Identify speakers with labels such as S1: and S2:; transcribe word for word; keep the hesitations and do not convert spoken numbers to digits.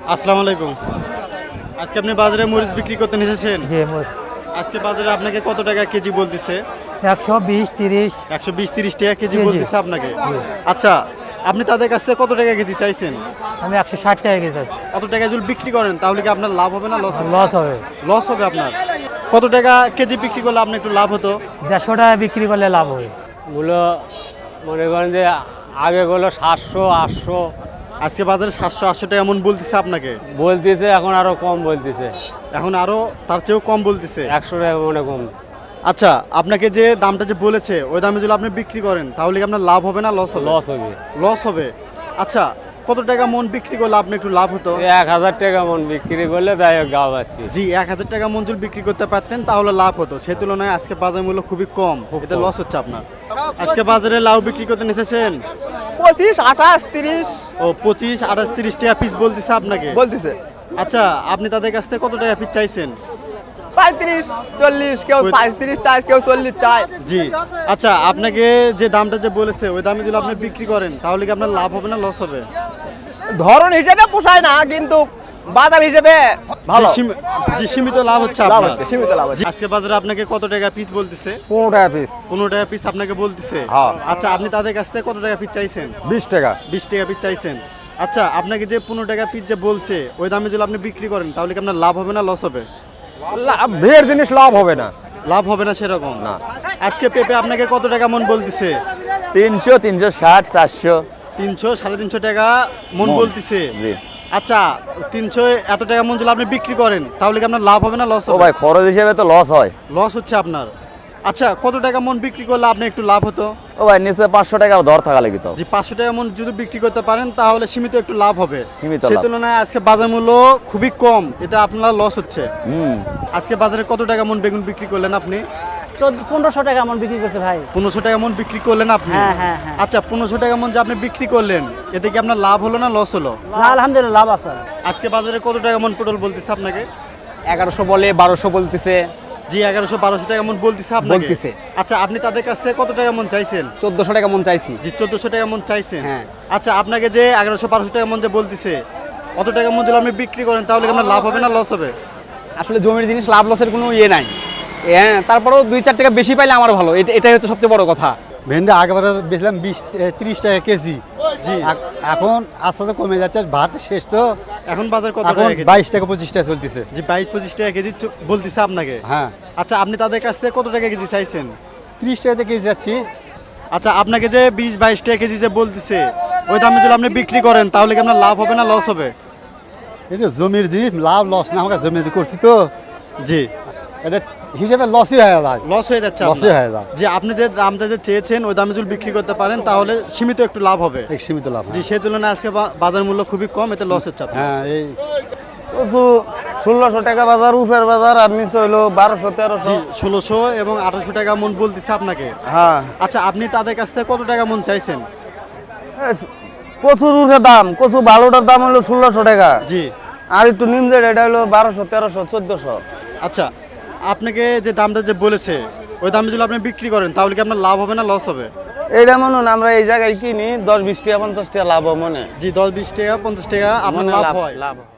S1: আসসালামু আলাইকুম। আজকে আপনি বাজারে মরিচ বিক্রি করতে এসেছেন?
S2: জি মরিচ
S1: আজকে বাজারে আপনাকে কত টাকা কেজি বলতেছে?
S2: একশো বিশ তিরিশ
S1: একশো বিশ তিরিশ টাকা কেজি
S2: জি, জি।
S1: বলতেছে আপনাকে। আচ্ছা, আপনি তাদের কাছে কত টাকা কেজি চাইছেন?
S2: আমি একশো ষাট টাকা কেজি
S1: কত টাকা যদি বিক্রি করেন তাহলে কি আপনার লাভ হবে না লস হবে?
S2: লস হবে।
S1: লস হবে আপনার। কত টাকা কেজি বিক্রি করলে আপনার একটু লাভ হতো?
S2: দেড়শো টাকা বিক্রি করলে লাভ হবে।
S3: মূল্য মনে করেন যে আগে গুলো সাতশো আটশো
S1: আজকে বাজারে সাতশো আটশো টাকা এমন বলতেছে আপনাকে,
S3: বলতেছে, এখন আরো কম বলতেছে,
S1: এখন আরো তার চেয়েও কম বলতেছে।
S3: একশো টাকা মনে কম।
S1: আচ্ছা, আপনাকে যে দামটা যে বলেছে ওই দামে যদি আপনি বিক্রি করেন তাহলে কি আপনার লাভ হবে না লস হবে?
S3: লস হবে।
S1: লস হবে। আচ্ছা, কত টাকা মন বিক্রি করলে আপনি একটু লাভ হতো?
S3: এক হাজার টাকা মন বিক্রি করলে তাই গাও আসছি।
S1: জি, এক হাজার টাকা মন যদি বিক্রি করতে পারতেন তাহলে লাভ হতো। সে তুলনায় আজকে বাজার মূল্য খুবই কম, এতে লস হচ্ছে আপনার। আজকে বাজারে লাউ বিক্রি করতে এসেছেন?
S4: পঁচিশ আঠাশ তিরিশ
S1: ও পঁচিশ আঠাশ তিরিশ টাকা পিস বলতেছে আপনাকে।
S4: বলতেছে।
S1: আচ্ছা, আপনি তাদের কাছ থেকে কত টাকা পিস চাইছেন?
S4: পঁয়ত্রিশ চল্লিশ, কেউ
S1: ওই-
S4: পঁয়ত্রিশ চায়, কেউ চল্লিশ চায়।
S1: জি। আচ্ছা, আপনাকে যে দামটা যে বলেছে ওই দামে যদি আপনি বিক্রি করেন তাহলে কি আপনার লাভ হবে না লস হবে?
S4: ধরন হিসেবে পোষায় না, কিন্তু বাজার হিসেবে ভালো।
S1: জি, সীমি- জি, সীমিত লাভ হচ্ছে
S4: লাভ
S1: আপনার।
S4: হচ্ছে, সীমিত লাভ হচ্ছে।
S1: জি, আজকে বাজারে আপনাকে কত টাকা পিস বলতেছে?
S4: পনেরো টাকা পিস।
S1: পনেরো টাকা পিস আপনাকে বলতেছে।
S4: হ্যাঁ।
S1: আচ্ছা, আপনি তাদের কাছ থেকে কত টাকা পিস চাইছেন?
S4: বিশ টাকা।
S1: বিশ টাকা পিস চাইছেন। আচ্ছা, আপনাকে যে পনেরো টাকা পিস যে বলছে ওই দামে যদি আপনি বিক্রি করেন তাহলে কি আপনার লাভ হবে না লস হবে?
S4: ভিড় জিনিস লাভ হবে না।
S1: লাভ হবে না সেরকম
S4: না।
S1: আজকে পেঁপে আপনাকে কত টাকা মন বলতেছে?
S4: তিনশো তিনশো ষাট চারশো।
S1: তিনশো সাড়ে তিনশো টাকা মন
S4: মন।
S1: বলতেছে।
S4: জি।
S1: আচ্ছা, তিনশো এত টাকা মন যদি আপনি বিক্রি করেন তাহলে কি আপনার লাভ হবে না লস
S4: ও
S1: হবে?
S4: ভাই, খরচ হিসেবে তো লস হয়।
S1: লস হচ্ছে আপনার। আচ্ছা, কত টাকা মন বিক্রি করলে আপনি একটু লাভ হতো?
S4: ও ভাই, নিচে পাঁচশো টাকা দর থাকা লাগি তো।
S1: যে পাঁচশো টাকা মন যদি বিক্রি করতে পারেন তাহলে সীমিত একটু লাভ হবে।
S4: সীমিত
S1: সে
S4: লাভ।
S1: তুলনায় আজকে বাজার মূল্য খুবই কম, এতে আপনার লস হচ্ছে।
S4: হুম।
S1: আজকে বাজারে কত টাকা মন বেগুন বিক্রি করলেন আপনি?
S2: পনেরোশো টাকা আমার বিক্রি করছে ভাই।
S1: পনেরোশো টাকা মন বিক্রি করলেন আপনি?
S2: হ্যাঁ, হ্যাঁ, হ্যাঁ।
S1: আচ্ছা, পনেরোশো টাকা মন যে আপনি বিক্রি করলেন এতে কি আপনার লাভ হলো না লস হলো?
S2: না, আলহামদুলিল্লাহ লাভ আছে।
S1: আজকে বাজারে কত টাকা মন পটল বলতেছে আপনাকে?
S4: এগারোশো বলে বারোশো বলতেছে,
S1: জি, এগারোশো বারোশো টাকা মন বলতেছে আপনাকে।
S4: বলতেছে।
S1: আচ্ছা, আপনি তাদের কাছে কত টাকা মন চাইছেন?
S4: চোদ্দশো টাকা মন চাইছি।
S1: জি, চোদ্দশো টাকা মন চাইছেন।
S4: হ্যাঁ।
S1: আচ্ছা, আপনাকে যে এগারোশো বারোশো টাকা মন যে বলতেছে অত টাকা মন যদি আপনি বিক্রি করেন তাহলে কি আপনার লাভ হবে না লস হবে?
S5: আসলে জমির জিনিস লাভ লসের কোনো ইয়ে নাই। হ্যাঁ, তারপরেও দুই চার টাকা বেশি পাইলে আমার ভালো, এটা এটাই হচ্ছে সবচেয়ে বড় কথা।
S6: ভেন্ডি আগেবারে বেচলাম বিশ তিরিশ টাকা কেজি।
S1: জি।
S6: এখ- এখন আস্তে আস্তে কমে যাচ্ছে, ভাত শেষ তো।
S1: এখন বাজার কত
S6: এখন
S1: টাকা কেজি?
S6: বাইশ টাকা পঁচিশ টাকা চলতেছে।
S1: জি, বাইশ পঁচিশ টাকা কেজি চ- বলতেছে আপনাকে।
S6: হ্যাঁ,
S1: আচ্ছা, আপনি তাদের কাছ থেকে কত টাকা কেজি চাইছেন?
S6: তিরিশ টাকাতে কেজি যাচ্ছি।
S1: আচ্ছা, আপনাকে যে বিশ বাইশ টাকা কেজি যে বলতেছে ওই দামে যদি আপনি বিক্রি করেন তাহলে কি আপনার লাভ হবে না লস হবে?
S6: এটা জমির জিনিস, লাভ লস না হোক, জমি করছি তো
S1: জি,
S6: এটা হিসেবে লসই হয়ে যায়।
S1: লস হয়ে যাচ্ছে
S6: লসই
S1: আপনার।
S6: হয়ে যায়।
S1: যে আপনি যে দামটা যে চেয়েছেন ওই দামে যদি বিক্রি করতে পারেন তাহলে সীমিত একটু লাভ হবে।
S6: এক সীমিত লাভ।
S1: জি, সেই তুলনায় আজকে বা- বাজার মূল্য খুবই কম, এতে লস হচ্ছে আপনার।
S6: হ্যাঁ, এই
S3: ষোলোশো টাকা বাজার, উপের বাজার, আর নিচে হইলো বারোশো তেরোশো।
S1: জি, ষোলোশো এবং আঠারোশো টাকা মন বলতেছে আপনাকে।
S3: হ্যাঁ,
S1: আচ্ছা, আপনি তাদের কাছ থেকে কত টাকা মন চাইছেন?
S3: কচুর উঠে দাম, কচু ভালোটার দাম হলো ষোলোশো টাকা,
S1: জি।
S3: আর একটু নিমজে এটা হলো বারোশো তেরোশো চোদ্দশো।
S1: আচ্ছা, আপনাকে যে দামটা যে বলেছে ওই দামে যদি আপনি বিক্রি করেন তাহলে কি আপনার লাভ হবে না লস হবে?
S3: এইটা মনে হয় আমরা এই জায়গায় কিনি দশ বিশ টাকা পঞ্চাশ টাকা লাভ হয় মনে।
S1: জি, দশ বিশ টাকা পঞ্চাশ টাকা আপনার
S3: মনে
S1: লাভ
S3: লাভ
S1: হয়।
S3: লাভ হয়।